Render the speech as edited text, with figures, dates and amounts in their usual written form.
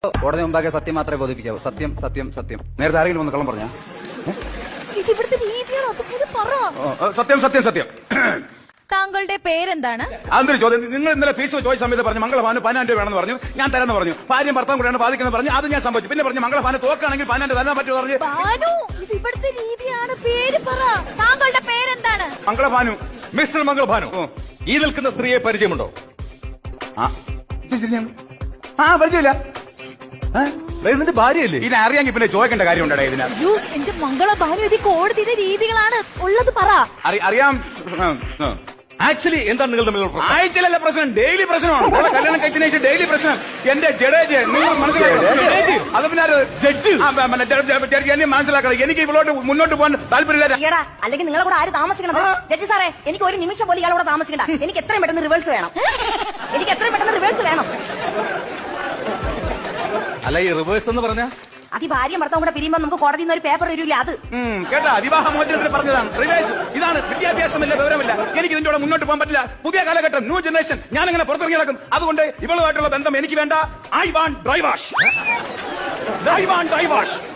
കോടതി മുമ്പാകെ സത്യം മാത്രമേ ബോധിപ്പിക്കാവൂ. സത്യം സത്യം സത്യം. നേരത്തെ ആരെങ്കിലും ഒന്ന് കള്ളം പറഞ്ഞ? സത്യം സത്യം സത്യം. താങ്കളുടെ പേരെന്താണ്? അതൊരു ചോദ്യം. നിങ്ങൾ ഇന്നലെ ഫീസ് ചോദിച്ച സമയത്ത് പറഞ്ഞു മംഗളഭാന് 10,000 രൂപ വേണമെന്ന് പറഞ്ഞു. ഞാൻ തരാന്ന് പറഞ്ഞു. ഭാര്യയും ഭർത്താവും കൂടെയാണ് ബാധിക്കുന്നത് പറഞ്ഞു. അത് ഞാൻ സംഭവിച്ചു. പിന്നെ പറഞ്ഞു മംഗളഭാന് തോക്കാണെങ്കിൽ 10,000 തരാൻ പറ്റുമോ പറഞ്ഞു. ഇവിടുത്തെ രീതിയാണ്. പേര് പറ. താങ്കളുടെ പേരെന്താണ്? മംഗളഭാനു. മിസ്റ്റർ മംഗളഭാനു, ഈ നിൽക്കുന്ന സ്ത്രീയെ പരിചയമുണ്ടോ? പരിചയമില്ല. ഇതിന്റെ ഭാര്യയല്ലേ? ഇതിനെ അറിയാമെങ്കിൽ പിന്നെ ചോദിക്കേണ്ട കാര്യമുണ്ടേ ഇതിന്. എന്റെ മംഗളഭാനു, ഇത് കോടതിയുടെ രീതികളാണ്. ഉള്ളത് പറ. അറിയാം. ആക്ച്വലി എന്താണ് നിങ്ങൾ തമ്മിലുള്ള പ്രശ്നം? ആഴ്ചയിലല്ല പ്രശ്നം, ഡെയിലി പ്രശ്നമാണ്. കല്യാണം കഴിച്ചതിന് ശേഷം ഡെയിലി പ്രശ്നം. എന്റെ ജഡേജ് നിങ്ങൾ മനസ്സിലാക്കി. അത് പിന്നെ ജഡ്ജി എന്നെ മനസ്സിലാക്കണം. എനിക്ക് ഇവളോട്ട് മുന്നോട്ട് പോകാൻ താല്പര്യമില്ല. അല്ലെങ്കിൽ നിങ്ങളെ കൂടെ ആര് താമസിക്കണം? ജഡ്ജി സാറേ, എനിക്ക് ഒരു നിമിഷം പോലും ഇയാളോട് താമസിക്കണ്ട. എനിക്ക് എത്രയും പെട്ടെന്ന് റിവേഴ്സ് വേണം. അല്ല, ഈ റിവേഴ്സ് എന്ന് പറഞ്ഞ അത് ഈ ഭാര്യയും ഭർത്താവും കൂടെ പിരിയുമ്പോൾ നമുക്ക് കോടതിയിൽ നിന്ന് ഒരു പേപ്പർ വരില്ല. അത് കേട്ടാ, വിവാഹ മോചനത്തിന് പറഞ്ഞതാണ്. റിവേഴ്സ് ഇതാണ്. വിദ്യാഭ്യാസമില്ല, വിവരമില്ല. എനിക്ക് ഇതിന്റെ കൂടെ മുന്നോട്ട് പോകാൻ പറ്റില്ല. പുതിയ കാലഘട്ടം, ന്യൂ ജനറേഷൻ. ഞാൻ അങ്ങനെ പുറത്തിറങ്ങി നടക്കും. അതുകൊണ്ട് ഇവളുമായിട്ടുള്ള ബന്ധം എനിക്ക് വേണ്ട. I want ഡൈവാഷ്.